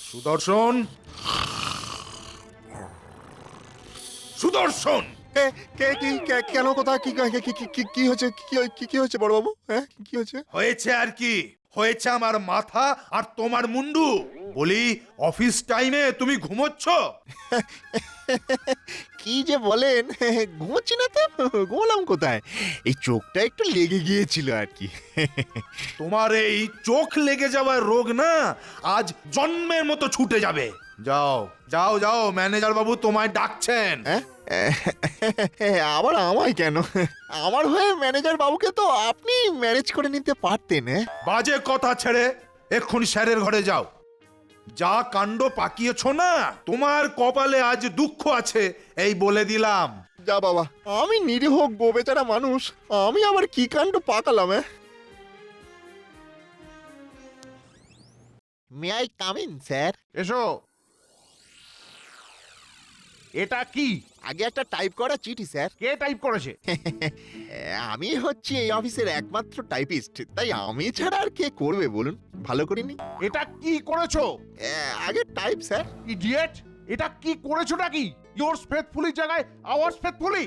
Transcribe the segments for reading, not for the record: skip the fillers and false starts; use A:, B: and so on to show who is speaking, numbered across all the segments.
A: সুদর্শন, সুদর্শন,
B: কেন কোথায় কি হয়েছে? কি হয়েছে বড়বাবু? হ্যাঁ, কি হয়েছে?
A: হয়েছে আর কি হয়েছে, আমার মাথা আর তোমার মুন্ডু। বলি, অফিস টাইমে তুমি ঘুমোচ্ছ?
B: কি যে বলেন, ঘুমোচ্ছি না তো। ঘুমলাম কোথায়? এই চোখটা একটু লেগে গিয়েছিল আর কি।
A: তোমার এই চোখ লেগে যাওয়ার রোগ না আজ জন্মের মতো ছুটে যাবে। যাও যাও যাও, ম্যানেজার বাবু তোমায় ডাকছেন।
B: হ্যাঁ? আবার আমায় কেন? আমার হয়ে ম্যানেজার বাবুকে তো আপনি ম্যানেজ করে নিতে পারতেন।
A: বাজে কথা ছেড়ে এক্ষুনি স্যারের ঘরে যাও। যা কাণ্ড পাকিয়েছ না, তোমার কপালে আজ দুঃখ আছে, এই বলে দিলাম।
B: যা বাবা, আমি নিরীহ গোবেচারা মানুষ, আমি আবার কি কাণ্ড পাকালাম? May I come in sir?
C: এসো। এটা কি?
B: আগে একটা টাইপ করা চিঠি স্যার।
C: কে টাইপ করেছে?
B: আমি হচ্ছি এই অফিসের একমাত্র টাইপিস্ট, তাই আমি ছাড়া আর কে করবে বলুন? ভালো করিনি।
C: এটা কি করেছো?
B: আগে টাইপ স্যার।
C: ইডিয়েট! এটা কি করেছোটা কি? ইয়োরস ফেথফুলি জায়গায় আওয়ার্স ফেথফুলি।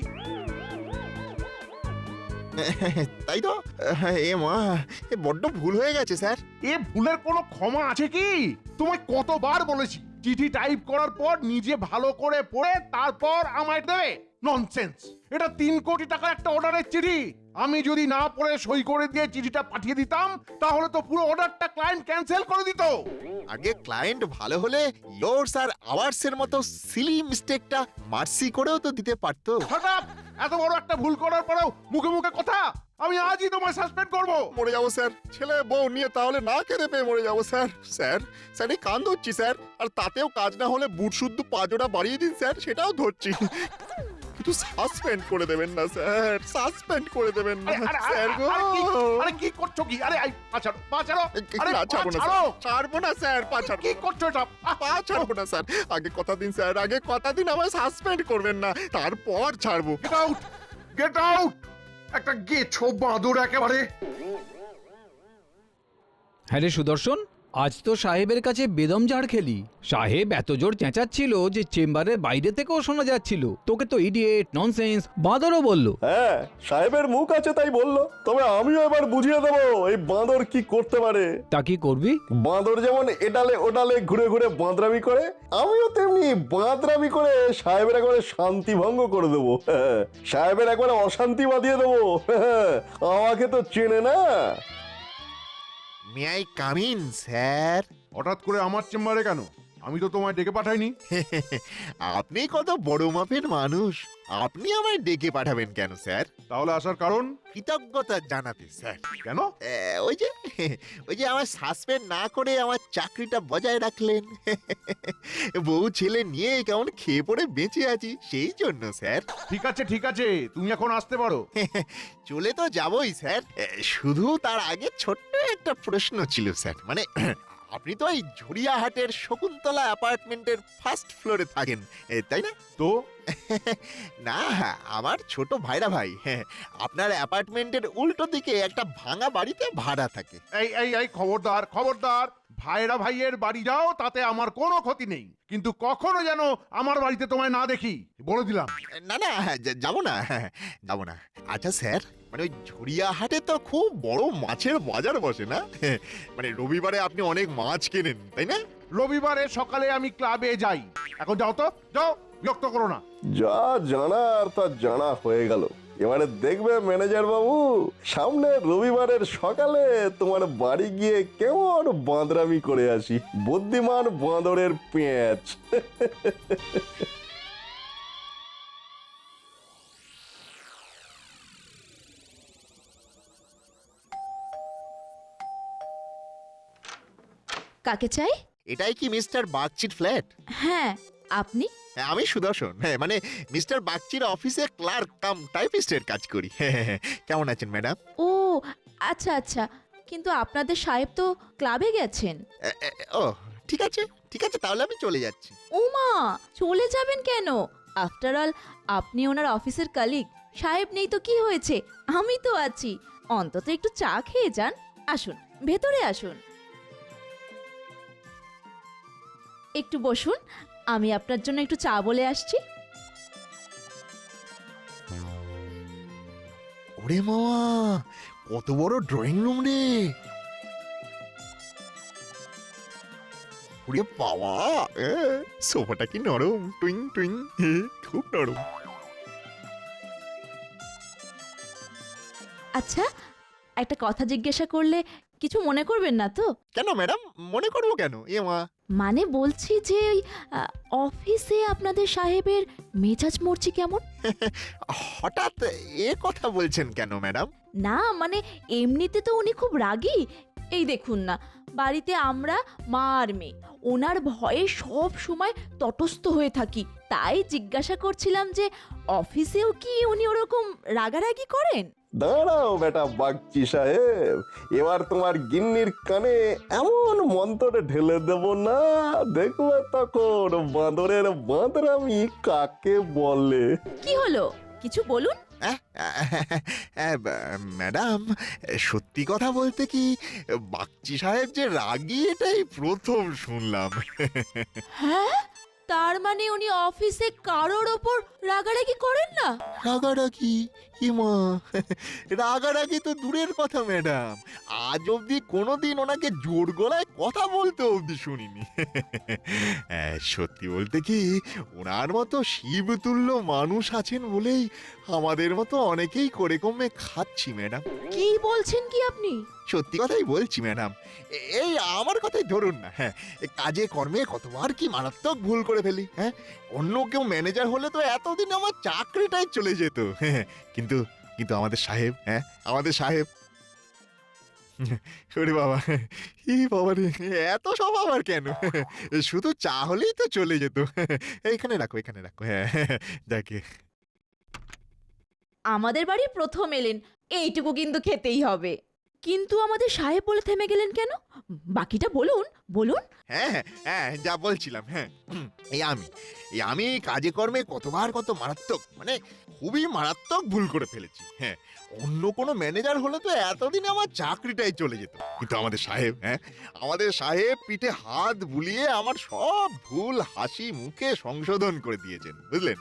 B: তাই তো। এ মা, এ বড্ড ভুল হয়ে গেছে স্যার।
C: এ ভুলের কোনো ক্ষমা আছে কি? তোমায় কতবার বলেছি চিঠি টাইপ করার পর নিজে ভালো করে পড়ে তারপর আমায় দেবে। ননসেন্স! এটা 3 কোটি টাকার একটা অর্ডারের চিঠি। আমি যদি না পড়ে সই করে দিয়ে চিঠিটা পাঠিয়ে দিতাম তাহলে তো পুরো অর্ডারটা ক্লায়েন্ট ক্যান্সেল করে দিত।
B: আগে ক্লায়েন্ট ভালো হলে ইয়োরস আর আওয়ার্স এর মতো সিলি মিস্টেকটা মার্সি করেও তো দিতে পারতো।
C: Shut up! এত বড় একটা ভুল করার পরেও মুখে মুখে কথা। আমি আজই তোমায় সাসপেন্ড করব।
B: মরে যাবো স্যার, ছেলে বউ নিয়ে তাহলে না খেতে পেয়ে মরে যাবো স্যার। স্যার স্যার এই কান ধরছি স্যার, আর তাতেও কাজ না হলে বুট শুদ্ধ পাজোটা বাড়িয়ে দিন স্যার, সেটাও ধরছি। কিন্তু সাসপেন্ড করে দেবেন না স্যার, সাসপেন্ড করে দেবেন না স্যার গো।
C: আরে কি করছো কি? আরে পাছাড়ো পাছাড়ো। আরে
B: ছাড়বো না
C: পাছাড়ো।
B: স্যার, ছাড়বো না স্যার, পা ছাড়বো।
C: কি করছো এটা?
B: পা ছাড়বো না স্যার, আগে কথা দিন স্যার, আগে কথা দিন আমায় সাসপেন্ড করবেন না, তারপর ছাড়বো।
C: Get out! Get out! একটা গেছো বাঁদর একেবারে।
D: হ্যাঁ রে সুদর্শন, আজ তো সাহেবের কাছে বেদম ঝাড় খেলি। সাহেব এত জোর চেঁচাচ্ছিল যে চেম্বারের বাইরে থেকেও শোনা যাচ্ছিল। তোকে তো ইডিয়েট, ননসেন্স, বাঁদরও বলল।
E: হ্যাঁ, সাহেবের মুখ আছে তাই বললো, তবে আমিও এবার বুঝিয়ে দেবো এই বাঁদর কি করতে পারে।
D: তা কি করবি?
E: বাঁদর যেমন এডালে ওডালে ঘুরে ঘুরে বাঁদরামি করে, আমিও তেমনি বাঁদরামি করে সাহেবের একবারে শান্তি ভঙ্গ করে দেবো। সাহেবের একবারে অশান্তি বাঁধিয়ে দেবো। আমাকে তো চেনে না।
B: May I come in sir?
C: হঠাৎ করে আমার চেম্বারে কেন? আমি তো তোমায় ডেকে পাঠাইনি।
B: আপনি কত বড় মাপের মানুষ, আপনি আমায় ডেকে পাঠাবেন কেন স্যার?
C: তাহলে আসার কারণ?
B: কৃতজ্ঞতা জানাতে স্যার।
C: কেন?
B: ওই যে আমার সাসপেন্ড না করে আমার চাকরিটা বজায় রাখলেন। বউ ছেলে নিয়ে কেমন খেয়ে পড়ে বেঁচে আছি সেই জন্য স্যার।
C: ঠিক আছে ঠিক আছে, তুমি এখন আসতে পারো।
B: চলে তো যাবই স্যার, শুধু তার আগে ছোট্ট একটা প্রশ্ন ছিল স্যার। মানে আপনি তো এই ঝুড়িয়াহাটের শকুন্তলা অ্যাপার্টমেন্টের ফার্স্ট ফ্লোরে থাকেন, তাই না?
C: তো
B: না, আমার ছোট ভাইরা ভাই, আপনার অ্যাপার্টমেন্টের উল্টো দিকে একটা ভাঙা বাড়িতে ভাড়া থাকে।
C: এই এই এই খবরদার খবরদার! ভাইরা ভাইয়ের বাড়ি যাও, তাতে আমার কোনো ক্ষতি নেই, কিন্তু কখনো যেন আমার বাড়িতে তোমায় না দেখি, বলে দিলাম।
B: না না, যাবো না, যাবো না। আচ্ছা স্যার, মানে ওই ঝুড়িয়াহাটে তো খুব বড় মাছের বাজার বসে না? মানে রবিবারে আপনি অনেক মাছ কেনেন তাই না?
C: রবিবারে সকালে আমি ক্লাবে যাই। এখন যাও তো, যাও, বিরক্ত করো না।
E: যা জানার তা জানা হয়ে গেল। এবারে দেখবে ম্যানেজার বাবু, সামনে রবিবারের সকালে তোমার বাড়ি গিয়ে কেমন বাঁদরামি করে আসি। বুদ্ধিমান বাঁদরের পেঁচ।
F: কাকে চাই?
B: এটাই কি মিস্টার বাগচির ফ্ল্যাট?
F: হ্যাঁ, আপনি?
B: আমি সুদর্শন, মানে মিস্টার বাগচির অফিসে ক্লার্ক কাম টাইপিস্টের কাজ করি। কেমন আছেন ম্যাডাম?
F: ও আচ্ছা আচ্ছা, কিন্তু আপনাদের সাহেব তো ক্লাবে গেছেন।
B: ও ঠিক আছে ঠিক আছে, তাহলে আমি চলে যাচ্ছি।
F: ওমা, চলে যাবেন কেন? আফটার অল আপনি ওনার অফিসের কলিগ। সাহেব নেই তো কি হয়েছে, আমি তো আছি। অন্তত একটু চা খেয়ে যান। আসুন, ভেতরে আসুন। একটু বসুন, আমি আপনার জন্য একটু চা বলে আসছি।
B: ওরে মামা, কত বড় ড্রয়িং রুম রে! ওরে বাবা, সোফাটা কি নরম, টুইং টুইং, খুব নরম।
F: আচ্ছা, একটা কথা জিজ্ঞাসা করলে কিছু মনে করবেন না তো?
B: কেন ম্যাডাম, মনে করবো কেন? এ মা,
F: মানে বলছি যে ওই অফিসে আপনাদের সাহেবের মেজাজ মরছি কেমন?
B: হঠাৎ এ কথা বলছেন কেন ম্যাডাম?
F: না মানে এমনিতে তো উনি খুব রাগী। এই দেখুন না, বাড়িতে আমরা মা আর মেয়ে, ওনার ভয়ে সব সময় তটস্থ হয়ে থাকি। তাই জিজ্ঞাসা করছিলাম যে অফিসেও কি উনি ওরকম রাগারাগি করেন?
E: দাঁড়াও বেটা বাগচি সাহেব, এবার তোমার গিন্নির কানে এমন মন্ত্রে ঢেলে দেব না, দেখবে তখন বাঁদরের বাঁদরামি কাকে বলে।
F: কি হলো, কিছু বলুন।
B: ম্যাডাম, সত্যি কথা বলতে কি, বাগচি সাহেব যে রাগী এটাই প্রথম শুনলাম।
F: হ্যাঁ, তার মানে উনি অফিসে কারোর ওপর রাগারাগি করেন না?
B: রাগারাগি? ইমা, রাগারাগি তো দূরের কথা ম্যাডাম, আজ অব্দি কোনোদিন ওনাকে জোর গলায় কথা বলতে অব্দি শুনিনি। সত্যি বলতে কি, ওনার মতো শিবতুল্য মানুষ আছেন বলেই আমাদের মতো অনেকেই করে কমে খাচ্ছি ম্যাডাম।
F: কি বলছেন কি আপনি?
B: সত্যি কথাই বলছি ম্যাডাম। এই আমার কথাই ধরুন না, হ্যাঁ, কাজে কর্মে কতবার কি মারাত্মক ভুল করে ফেলি। হ্যাঁ, অন্য কেউ ম্যানেজার হলে তো এতদিন আমার চাকরিটাই চলে যেত। হ্যাঁ, কিন্তু কিন্তু আমাদের সাহেব, হ্যাঁ, আমাদের সাহেব, ওরে বাবা, বাবা রে, এত সব আবার কেন? শুধু চা হলেই তো চলে যেত। এখানে রাখো, এখানে রাখো। হ্যাঁ, দেখে
F: আমাদের বাড়ি প্রথম এলেন, এইটুকু কিন্তু খেতেই হবে। কিন্তু আমাদের সাহেব বলে থেমে গেলেন কেন? বাকিটা বলুন বলুন।
B: হ্যাঁ হ্যাঁ, যা বলছিলাম, হ্যাঁ, এই আমি কাজে কর্মে কতবার কত মারাত্মক, মানে খুবই মারাত্মক ভুল করে ফেলেছি। হ্যাঁ, অন্য কোনো ম্যানেজার হলে তো এতদিনে আমার চাকরিটাই চলে যেত। কিন্তু আমাদের সাহেব, হ্যাঁ, আমাদের সাহেব পিঠে হাত বুলিয়ে আমার সব ভুল হাসি মুখে সংশোধন করে দিয়েছেন, বুঝলেন?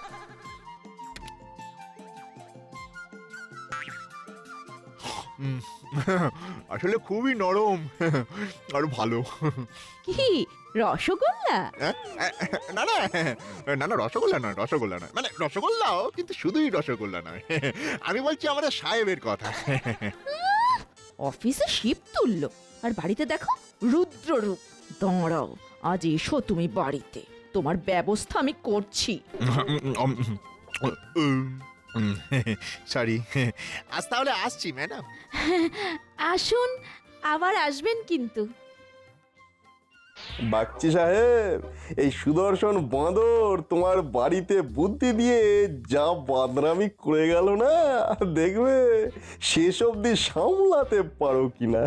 B: আসলে খুবই নরম আর ভালো।
F: কি রসগোল্লা?
B: না না না না, রসগোল্লা নয়, রসগোল্লা নয়, মানে রসগোল্লাও, কিন্তু শুধুই রসগোল্লা নয়। আমি বলছি আমাদের সাহেবের কথা।
F: অফিসে শিব তুলল আর বাড়িতে দেখো রুদ্ররূপ। দাঁড়াও, আজ এসো তুমি বাড়িতে, তোমার ব্যবস্থা আমি করছি।
B: সরি, আজ তাহলে আসছি ম্যাডাম।
F: আসুন, আবার আসবেন কিন্তু।
E: বাগচি সাহেব, এই সুদর্শন বাঁদর তোমার বাড়িতে বুদ্ধি দিয়ে যা বাদরামি করে গেল না, দেখবে শেষ অবধি সামলাতে পারো কিনা।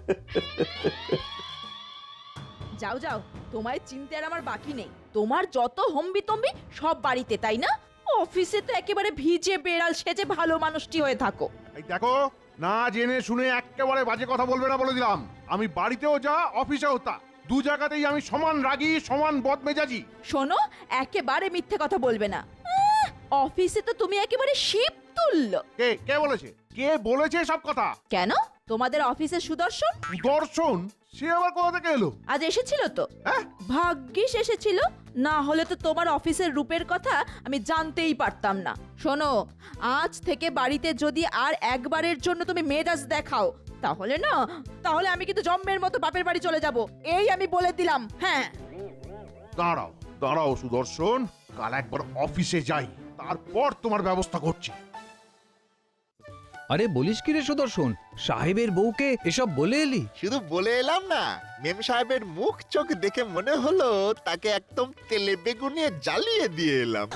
F: যাও যাও, তোমায় চিনতে আর আমার বাকি নেই। তোমার যত হম্বি তম্বি সব বাড়িতে, তাই না? অফিসে তো একেবারে ভিজে বেড়াল সেজে ভালো মানুষটি হয়ে থাকো।
C: এই দেখো, না জেনে শুনে একেবারে বাজে কথা বলবে না বলে দিলাম। আমি বাড়িতেও যা, অফিসেও তা, দু জায়গাতেই আমি সমান রাগী, সমান বদমেজাজি।
F: শোনো, একেবারে মিথ্যে কথা বলবে না। অফিসে তো তুমি একেবারে শিব তুলল।
C: কে কে বলেছে? কে বলেছে সব কথা?
F: কেন, তোমাদের অফিসের সুদর্শন?
C: দর্শন? সে আবার কোথা থেকে এলো?
F: আজ এসেছিল তো? ভাগ্যিস এসেছিল, না হলে তো তোমার অফিসের রূপের কথা আমি জানতেই পারতাম না। শোনো, আজ থেকে বাড়িতে যদি আর একবারের জন্য তুমি মেজাজ দেখাও, তাহলে আমি কিন্তু জম্মের মতো বাপের বাড়ি চলে যাব, এই আমি বলে দিলাম। হ্যাঁ,
C: দাঁড়াও দাঁড়াও সুদর্শন, কাল একবার অফিসে যাই, তারপর তোমার ব্যবস্থা করছি।
D: আরে বলিস কি রে সুদর্শন, সাহেবের বউকে এসব বলে এলি?
B: শুধু বলে এলাম না, মেম সাহেবের মুখ চোখ দেখে মনে হলো তাকে একদম তেলে বেগুনে জ্বালিয়ে দিয়ে এলাম।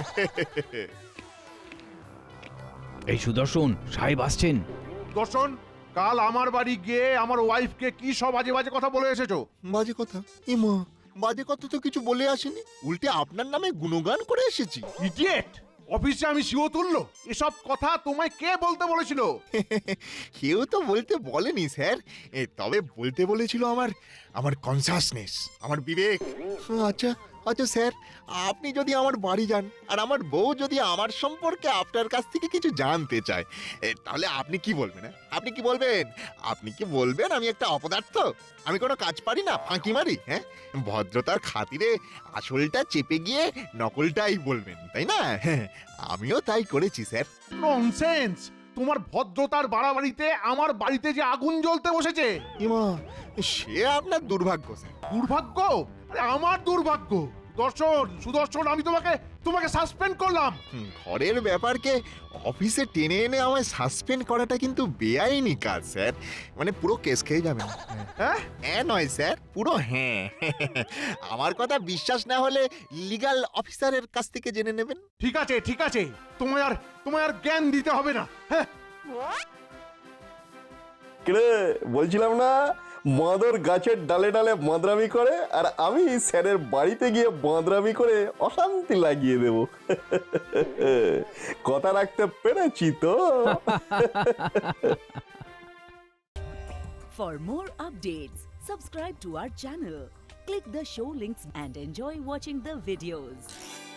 D: এই সুদর্শন, সাহেব আসছেন।
C: দর্শন, কাল আমার বাড়ি গিয়ে আমার ওয়াইফকে কি সব বাজে বাজে কথা বলে এসেছো?
B: বাজে কথা? ইমা, বাজে কথা তো কিছু বলে আসেনি, উল্টে আপনার নামে গুণগান করে এসেছি।
C: ইডিয়েট! অফিসে আমি শিও তুললো এসব কথা তোমায় কে বলতে বলেছিল?
B: কেউ তো বলতে বলেনি স্যার, তবে বলতে বলেছিল আমার আমার কনসাসনেস, আমার বিবেক। আচ্ছা আচ্ছা স্যার, আপনি যদি আমার বাড়ি যান আর আমার বউ যদি আমার সম্পর্কে আপনার কাছ থেকে কিছু জানতে চায়, তাহলে আপনি কি বলবেন? আপনি কি বলবেন? আপনি কি বলবেন আমি একটা অপদার্থ, আমি কোনো কাজ পারি না, ফাঁকি মারি? হ্যাঁ, ভদ্রতার খাতিরে আসলটা চেপে গিয়ে নকলটাই বলবেন, তাই না? হ্যাঁ, আমিও তাই করেছি স্যার।
C: ননসেন্স! তোমার ভদ্রতার বাড়াবাড়িতে আমার বাড়িতে যে আগুন জ্বলতে বসেছে।
B: ইমা, সে আপনার দুর্ভাগ্য স্যার।
C: দুর্ভাগ্য? আরে আমার দুর্ভাগ্য। সুদর্শন, আমি তোমাকে সাসপেন্ড করলাম।
B: ঘরের ব্যাপারকে অফিসে টেনে এনে আমায় সাসপেন্ড করাটা কিন্তু বেআইনি কাজ স্যার, মানে পুরো কেস খেয়ে যাবেন।
C: হ্যাঁ?
B: হ্যাঁ নয় স্যার, পুরো হ্যাঁ। আমার কথা বিশ্বাস না হলে লিগ্যাল অফিসারের কাছ থেকে জেনে নেবেন।
C: ঠিক আছে, তোমায় আর জ্ঞান দিতে হবে না। হ্যাঁ,
E: কিরে বলছিলাম না মাদর গাছের ডালে ডালে বাঁদরামি করে, আর আমি স্যারের বাড়িতে গিয়ে বাঁদরামি করে অশান্তি লাগিয়ে দেব। কথা রাখতে পেরেছি তো।
G: For more updates, subscribe to our channel, click the show links and enjoy watching the videos.